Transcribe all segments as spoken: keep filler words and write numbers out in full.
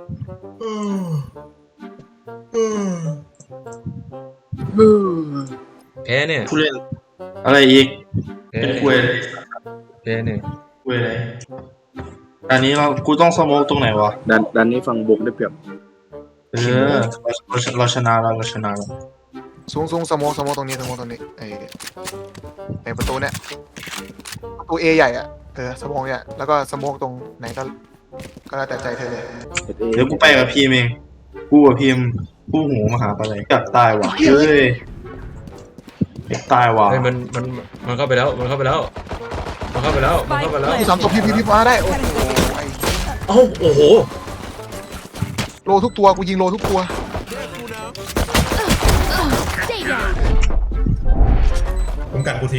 แพ้เนี่ยผู้เล่นอะไรอีกเป็นคุยแพ้เนี่ยคุยอะไรอันนี้เรากูต้องสโมกตรงไหนวะดันดันนี้ฝั่งบุกได้เปรียบเออเราเราชนะเราเราชนะแล้วสูงสูงสโมกสโมกตรงนี้สโมกตรงนี้ไอ้ไอ้ประตูเนี่ยประตูเอใหญ่อะเออสโมกเนี่ยแล้วก็สโมกตรงไหนก็ก็แล้วแต่ใจเธอเลยเดี๋ยวกูไปกับพีมเองกูกับพีมผู้หูมาหาอะไรอยากตายว่ะเฮ้ยอยากตายว่ะเฮ้ยมันมันมันเข้าไปแล้วมันเข้าไปแล้วมันเข้าไปแล้วมันเข้าไปแล้วพี่สามตัวพี่พี่พี่มาได้โอ้โหไอ้เอ้าโอ้โหโลทุกตัวกูยิงโลทุกตัวผมกัดกูที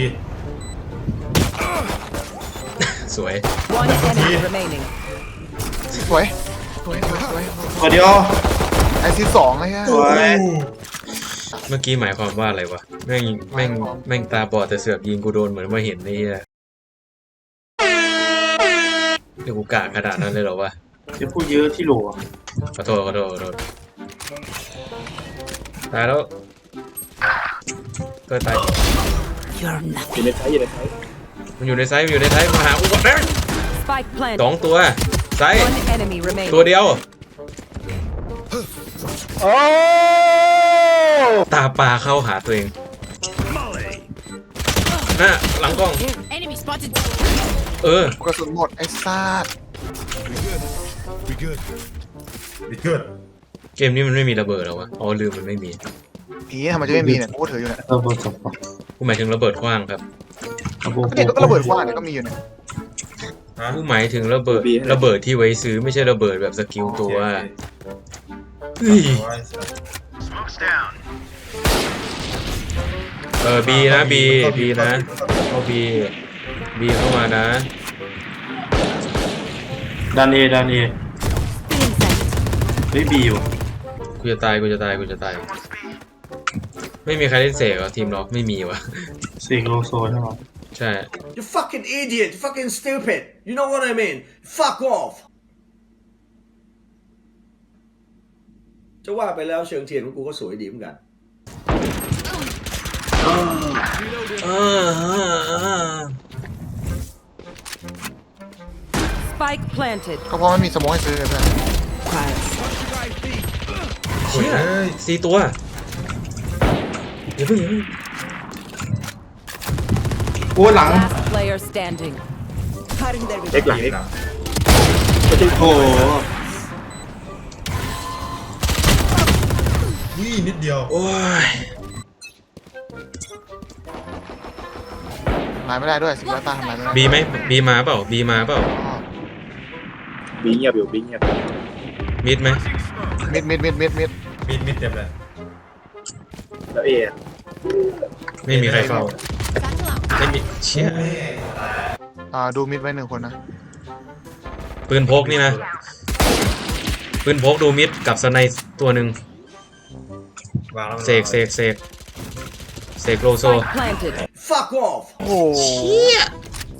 สวย One enemy remaining. สวยสวยสวยสวยตัวเดียวไอซีสองเลยฮะสวยเมื่อกี้หมายความว่าอะไรวะแม่งแม่งแม่งตาบอดแต่เสือกยิงกูโดนเหมือนมาเห็นนี่อะเดี๋ยวกูกะขนาดนั้นเลยเหรอวะจะพูดเยอะที่โหลขอโทษขอโทษขอโทษตายแล้วเกิดตาย You're อยู่ nothing. ในไซส์อยู่ในไซส์มันอยู่ในไซส์มันอยู่ในไซส์มาหากูก่อนแม่ง Spike ส planted. องตัวไซส์ One enemy remaining. ตัวเดียวตาปลาเข้าหาตัวเองน่ะหลังกล้อง Enemy spotted. เออกระสุนหมดไอ้ซาดวิกเกิดวิกเกิดเกมนี้มันไม่มีระเบิดหรอวะอ๋อลืมมันไม่มีผีทำไมจะไม่มีเนี่ยกูถืออยู่เนี่ยระเบิดสองกูหมายถึงระเบิดขว้างครับระเบิดเนี่ยก็ระเบิดกว้างเนี่ยก็มีอยู่เนี่ยฮะกูหมายถึงระเบิดระเบิดที่ไว้ซื้อไม่ใช่ระเบิดแบบสกิลตัวเฮ้ยเออบีนะบีบีนะเอาบีบีเข้ามานะดันเอดันเอไม่บีอยู่กูจะตายกูจะตายกูจะตายไม่มีใครเล่นเสกเหรอทีมเราไม่มีวะสี่โลโซใช่ไหมใช่ You fucking idiot! You fucking stupid! You know what I mean? Fuck off! จะว่าไปแล้วเชิงเทียนของกูก็สวยดีเหมือนกัน Spike planted. ก็เพราะไม่มีสโมองให้ซื้อเลยเพื่อนเชี่ยสี่ตัวอย่าเพิ่งอย่าเพิ่งโอ้หลัง Last player standing. เอ็กหลังเอ็กโอ้นี่นิดเดียวโอ้ยทำลายไม่ได้ด้วยสิบล้านตาทำลายไม่ได้บีไหมบีมาเปล่าบีมาเปล่าบีเงียบอยู่บีเงียบมิดไหมมิดมิดมิดมิดมิดมิดมิดเต็มเลยแล้วเอไม่มีใครเฝ้าไม่มีเชี่ยอ่าดูมิดไว้หนึ่งคนนะปืนพกนี่นะปืนพกดูมิดกับสไนป์ตัวหนึ่งวางแล้วเสกเสกเสกเสกโลโซ Spike planted. Fuck off! โอ้โห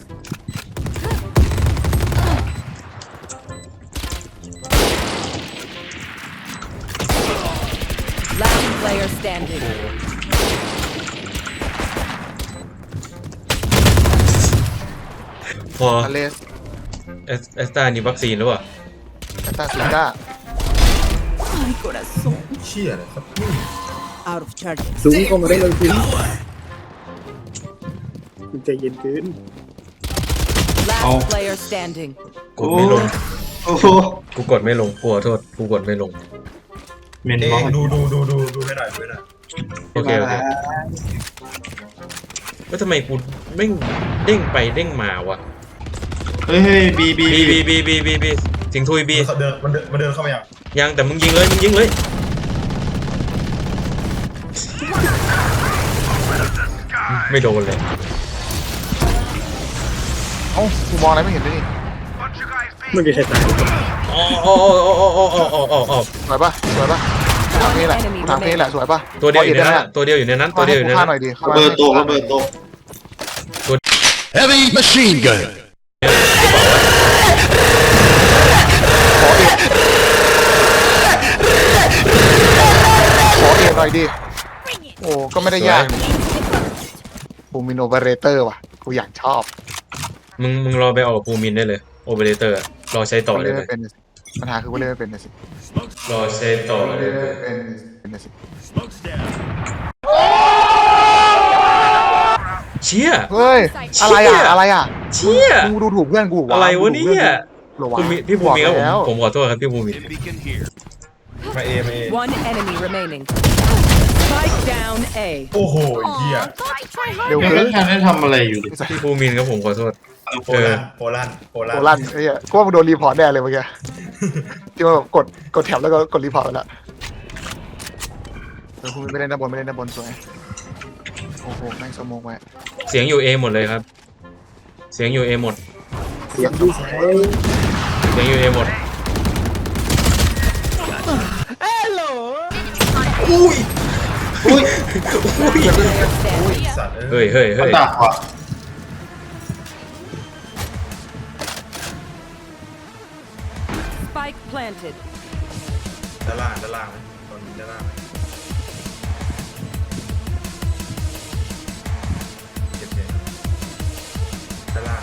Last player standing. พออเลสเอสเอสตานี่วัคซีนหรือเปล่าแอตตาซิก้า My corazón. เชี่ยเลยครับ Out of charges. สูงเข้ามาได้เลยคุณคุณใจเย็นขึ้น Last player standing. กดไม่ลงโอ้โหกูกดไม่ลงกูขอโทษกูกดไม่ลงเมนเอ๊บอลดูดูดูดูดูให้หน่อยดูให้หน่อยโอเคโอเคว่าทำไมกูเด้งเด้งไปเด้งมาวะเฮ้ยเฮ้ยบีบีบีบีบีบีบีบีสิงทุยบีมันเดินมันเดินมันเดินเข้ามาอย่างยังแต่มึงยิงเลยมึงยิงเลยไม่โดนเลยเอ้ากูมองอะไรไม่เห็นเลยนี่ไม่มีใครตายอ๋ออ๋ออ๋ออ๋ออ๋ออ๋ออ๋ออ๋อสวยปะสวยปะทางนี้แหละทางนี้แหละสวยปะตัวเดียวอยู่ในได้นั้นตัวเดียวอยู่ในนั้นตัวเดียวอยู่ในฆ่านั้นหน่อยดิระเบิดตกระเบิดตก Heavy machine gun. ขออีก Last อยดิโอ้ก็ไม่ได้ยากภูมินโอเปอเรเตอร์ว่ะกูอยากชอบมึงมึงรอไปออกภูมินได้เลยโอเปอเรเตอร์รอใช้ต่อเลยเล่นไหมไม่เป็นปัญหาคือกูเล่นไม่เป็นนะสิรอใช้ต่อเลเล่ยนไม่เป็นเป็นนะสิ Smoke's down. เชี่ยเฮ้ยอะไรอ่ะอะไรอ่ะเชี่ยมึงดูถูกเพื่อนกูอะไรวะเนี่ยหรอวะภูมิพี่ภูมิครับผมแล้วผมขอโทษครับพี่ภูมิ Dim beacon here. มาเอมาเอ One enemy remaining. Spike down A. โอ้โหเหี้ยเร็วยังเกิไม่นทันได้ทำอะไรอยู่ดิพี่ภูมิครับผมขอโทษโปแลนด์โปแลนด์โปแลนโคด์ลั่นไอ้เหี้ยกูว่ามึงโดนรีพอร์ตแน่เลยเมื่อกี้ที่ว่าแบบกดกดแถบแล้วก็กดรีพอร์ตไปแล้วเออคุณไม่เล่นด้านบนไม่เล่นด้านบนสวยโอ้โหแม่งสมองไว้เสียงอยู่เอหมดเลยครับ เสียงอยู่เอหมดเสียงดีไซน์เสียงอยู่เอหมดอุ้ย Standing. สัตว์เฮ้ยเฮ้ยมัเฮ้นยดักว่ะ Spike planted. ด้านล่างด้านล่างตอนนี้ด้านล่างเก็บเลยด้านล่าง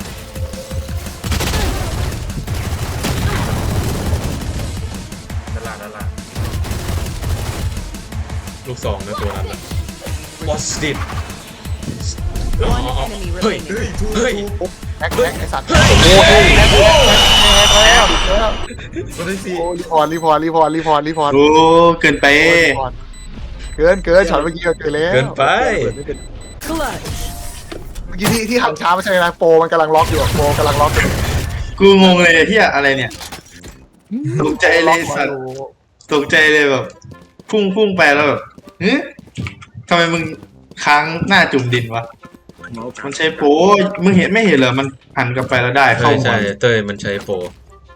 ด้านล่างด้านล่างลูกสองนะตัวนั้นนะบอสติด One enemy เฮ้ย remaining. เฮ้ยแฮกแฮกไอ้สัตว์โอ้ยแฮกแฮกแฮกแฮกแล้วแล้วตัวที่สี่โอ้รีพอร์ตรีพอร์ตรีพอร์ตรีพอร์ตรีพอร์ตโอ้เกินไปเกินเกินช็อตเมื่อกี้เกินแล้วเกินไปเปิดไม่เป็น Clutch. เมื่อกี้ที่ที่หันช้าไม่ใช่นะโปมันกำลังล็อกอยู่โปกำลังล็อกอยู่กูงงเลยที่อะไรเนี่ยตกใจเลยสัตว์ตกใจเลยแบบพุ่งพุ่งไปแล้วแบบเฮ้ยทำไมมึงค้างหน้าจุ่มดินวะเมาส์มันใช้โป้มึงเห็นไม่เห็นเหรอมันหันกลับไปแล้วได้ใช่เข้าหัวใช่เต้ยมันใช้โปร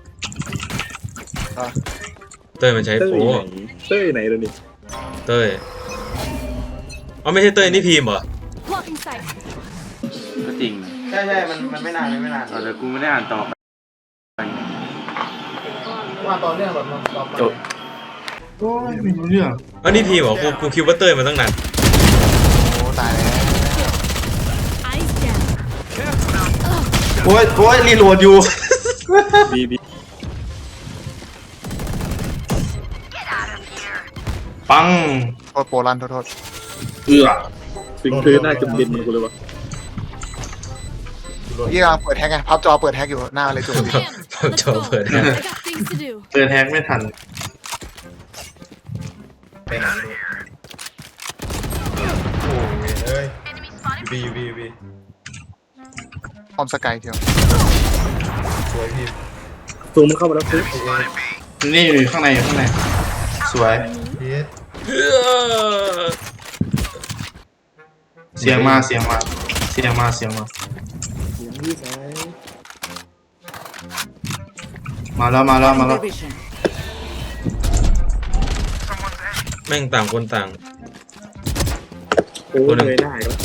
เต้ยมันใช้เต้โปยรไหนเต้ยไหนแล้วนี่เต้ยอ๋อไม่ใช่เต้ยนี่พีมเหรอ Blocking sight. ก็จริงนะใช่ใช่มันมันไม่นานไม่นานเอาแต่กูไม่ได้อ่านต่อไปว่าตอนเรื่องแบบต่อไปจบโอ้ยไม่รู้เรื่องอ๋อนี่พีมเหรอกูกูคิดว่าเต้ยมาตั้งนานโอ้ตายแล้ว Eyes down. โอ้ยโอ้ยรีโหลดอยู่บีบีปังโทษโปลันโทษโทษเอือฟิงพื้นหน้าจุ่มดินมันกูเลยวะยี่กำลังเปิดแฮกไงพับจอเปิดแฮกอยู่หน้าเลยจุดดิผมจอเปิดนะ I got things to do. เปิดแฮกไม่ทันไปไหนโอ้ยเอ้ยบีบีบีออมสกายเทียวสวยพี่ซูมมันเข้ามาแล้วซินี่อยู่ข้างในอยู่ข้างในสวยเสียงมาเสียงมาเสียงมาเสียงมาเสียงดีไซน์มาแล้วมาแล้วมาแล้ว Division. แม่งต่างคนต่างโอ้ยเลยหน้าอีกแล้ว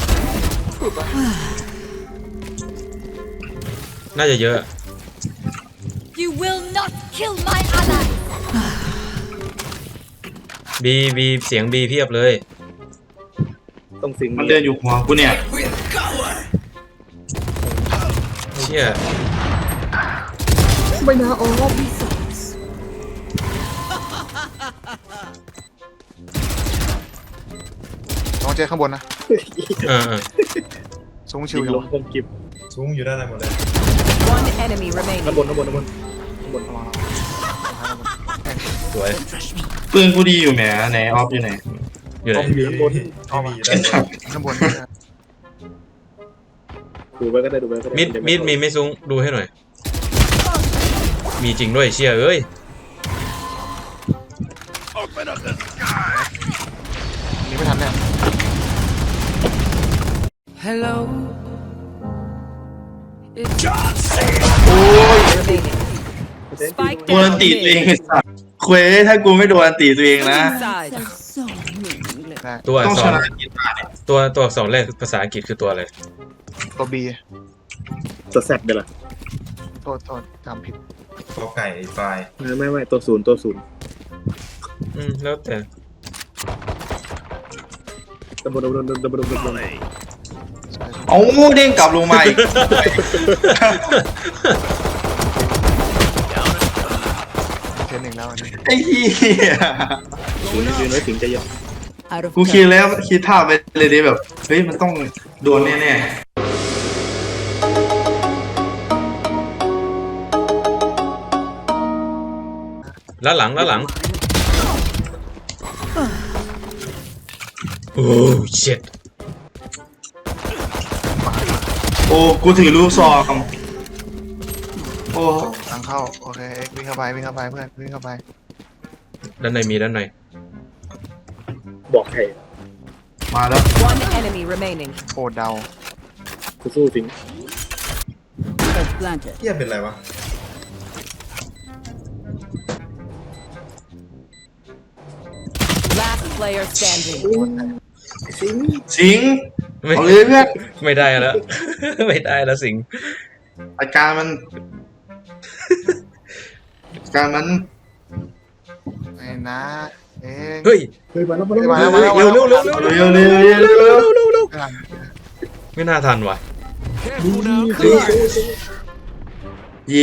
น่าจะเยอะ You will not kill my ally. บีบีเสียงบีเพียบเลยต้องสิงมันเดินอยู่หัวกูเนี่ยเชี่ยไม่น่าออกน้องเจข้างบนนะเออเออสูงชิชิววอยู่ลงคมกิบสูงอยู่ด้านในหมดเลย One enemy ข้าง remaining. บนข้างบนข้างบนข้างบนสวยปืนกูดีอยู่แหมไหนออฟอยู่ไหนอยู่ไหนอยู่ข้างบนเอามาข้างบนดูไปก็ได้ดูไปก็ได้มิดมิดมีไม่ซุ้งดูให้หน่อย มีจริงด้วยเชี่ยเอ้ยนี่ไม่ทันแน่ Hello. โอ้ย Remaining. Spike โดนอัน down ตีตัวเอง mid. ไอ้สัสเควถ้ากูไม่โดนอันตีตัวเองนะ Inside. ได้ตัวอัต้กองษชรนะกีตาร์เนี่ยตัวตัวอักษรแรกภาษาอังกฤษคือตัวอะไรตัวบีตัวแซดเดี๋ยวล่ะโทษโทษจำผิดตัวไก่ไฟไม่ไม่ไม่ตัวศูนย์ตัวศูนย์อืมแล้วแต่ดับเบิลดับเบิลดับเบิลดับเบิลดับเบิลเอาเด้งกลับลงมาอีกเทนหนึ่งแล้วอันนี้ไอ้เหี้ยสิงยืนไว้สิงใจเย็น Out of กูคิด ten. แล้วคิดท่าไปเลยดิแบบเฮ้ยมันต้องโดนแน่ๆแล้วหลังแล้วหลังโอ้เช็ดโอ้ กูถือลูกซองโอ้ทางเข้าโอเคเอ็กซ์วิ่งเข้าไปวิ่งเข้าไปเพื่อนวิ่งเข้าไปด้านในมีด้านในบอกใครมาแล้ว One enemy remaining. โอ้เดากูสู้สิง Spike planted. เหี้ยเป็นไรวะ Last player standing. สิงไม่เอาเลยเพื่อนไม่ได้แล้ว ไม่ได้แล้วสิงอาการมันอาการมันไอ้นะเอ็กซ์เฮ้ยเฮ้ยมาแล้วมามาแล้วแล้วมาแล้วเร็วเร็วเร็วเร็วเร็วเร็วเร็วเร็วเร็วไม่น่าทันว่ะ Careful now. เย้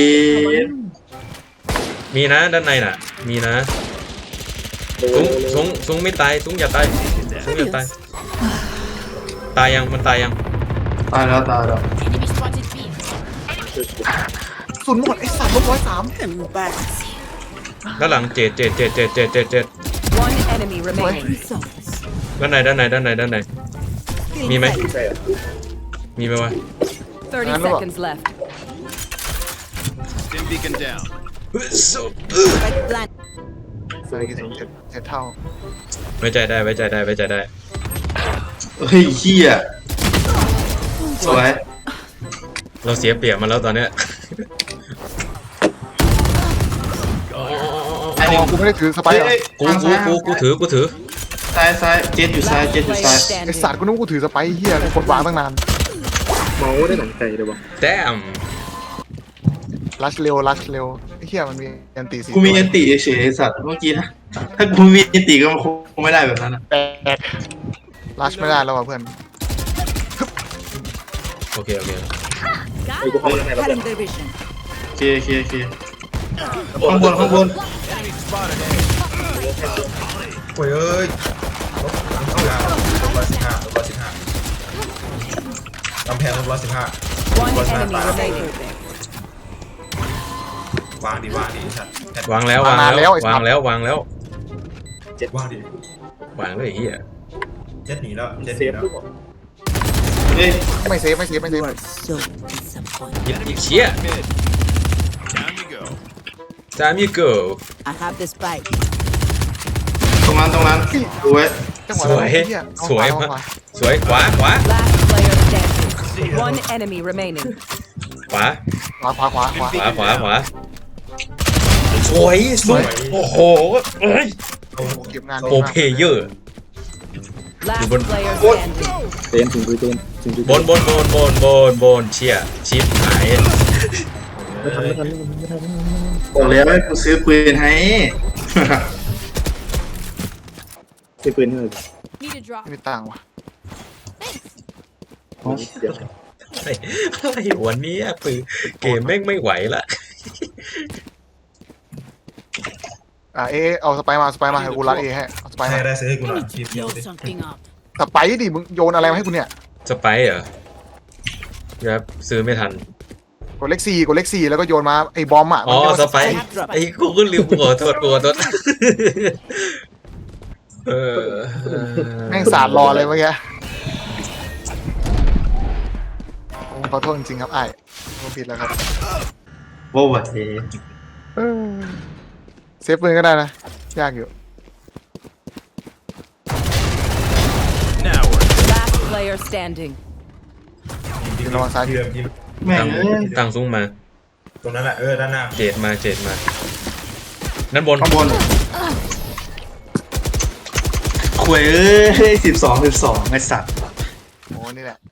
มีนะด้านในน่ะ มีนะซุ้งซุ้งซุ้งไม่ตายซุ้งอย่าตายซุ้งอย่าตายตายยังมันตายยังตายแล้วตายแล้ว Enemy spotted B. ศูนย์หมดไอ้สามลบร้อยสามด้านหลังเจ็ดเจ็ดเจ็ดเจ็ดเจ็ดเจ็ดเจ็ด One enemy remaining. ด้านในด้านในด้านในด้านในมีไหมใช่เหรอมีไหมวะ Thirty Ano ba? seconds left. Stim beacon down. Spike plant. ใส่กี่สูงเจ็ดเจ็ดเท่าไว้ใจได้ไว้ใจได้ไว้ใจได้เฮ้ยเหี้ยสวยเราเสียเปรียบมาแล้วตอนเนี้ยอันนี้อ๋อกูไม่ได้ถือสไปร์เหรอเฮ้ยกูกูกูกูถือกูถือซ้ายซ้ายเจ็ดอยู่ซ้าย Last เจ็ดอยู่ player ซ้ายไอ้ standing. สัตว์กูนึกว่ากูถือสไปร์เฮียกูกดวางตั้งนานเมาได้หนังใจเลยวะแต้มลัชเร็วลัชเร็วไอ้เฮียมันมีอันตีสี่กูมีอันติเฉยๆไอ้สัตว์เมื่อกี้นะถ้ากูมีอันติก็คงไม่ได้แบบนั้นนะแปดลัชไม่ได้แล้วว่ะเพื่อนโอเคโอเคไอ้กูเข้ามาข้างในแล้วเพื่อน their vision. โอเคโอเคโอเคข้างบนข้างบนโอ้ยเอ้ยลบหลังเข้ายาวลบร้อยสิบห้าลบร้อยสิบห้า กำแพงลบร้อยสิบห้า One enemy remaining. วางดิวางดิสัตว์แอดวางแล้ววางแล้ววางแล้ววางแล้ววางดิวางเลยไอ้เฮียเจ็ดหนีแล้วเจ็ดหเซนีฟแล้วทุกคนเฮ้ยไม่เซฟไม่เซฟไม่เซฟ So disappointed. ยิบยิบเชี่ย Time to go. time you go I have the spike. ตรงนั้นตรงนั้นดูไว้จังหวะสวยไอ้เหี้ยเอาสวยขวาเอามากขวาสวยขวาขวา Last player standing. One enemy remaining. ขวาขวาขวาขวาขวาขวาขวาขวาสวยสวยโอ้โหเอ้ยโอ้โหเก็บงานโปรเพเยอร์ Last Ibon- player standing. เตนถึงดูเตนถึงดูบนบนบนบนบนบนเชี่ยชิปหายไม่ทันไม่ทันไม่ทันบอกแล้วให้กูซื้อปืนให้ซื้อปืนให้เลย Need a drop. ไม่มีตังค์ว่ะเดี๋ยวอะไรอะไรวันนี้ปืนเกมแม่งไม่ไหวละอ่าเอเอาสไปร์มาสไปร์มาให้กูรัดเอให้เอาสไปร์ใครมาได้ซื้อให้กูหน่อยทีมเดียว Blow ดิ something up. สไปร์ดิมึงโยนอะไรมาให้กูเนี่ยสไปร์เหรอครับซื้อไม่ทันกดเลขสี่กดเลขสี่แล้วก็โยนมาไอ้บอมอ่ะอ๋อมันเรียกว่าสไปร์ไอ้กูก็ลืมกูขอโทษกูขอโทษเออแม่งสาดรอเลยเมื่อกี้ผมขอโทษจริงๆครับไอ้ผมผิดแล้วครับโว้าวเทเออเซฟปืนก็ได้นะยากอยู่ Now we're Last player standing. ทีมระวังซ้ายทีมทีมแม่งตั้งเอ้ยตั้งซุ้งมาตรงนั้นแหละเออด้านหน้าเจดมาเจดมาด้านบนข้างบนขวยเอ้ยสิบสองสิบสองไอ้สัตว์โอ้นี่แหละ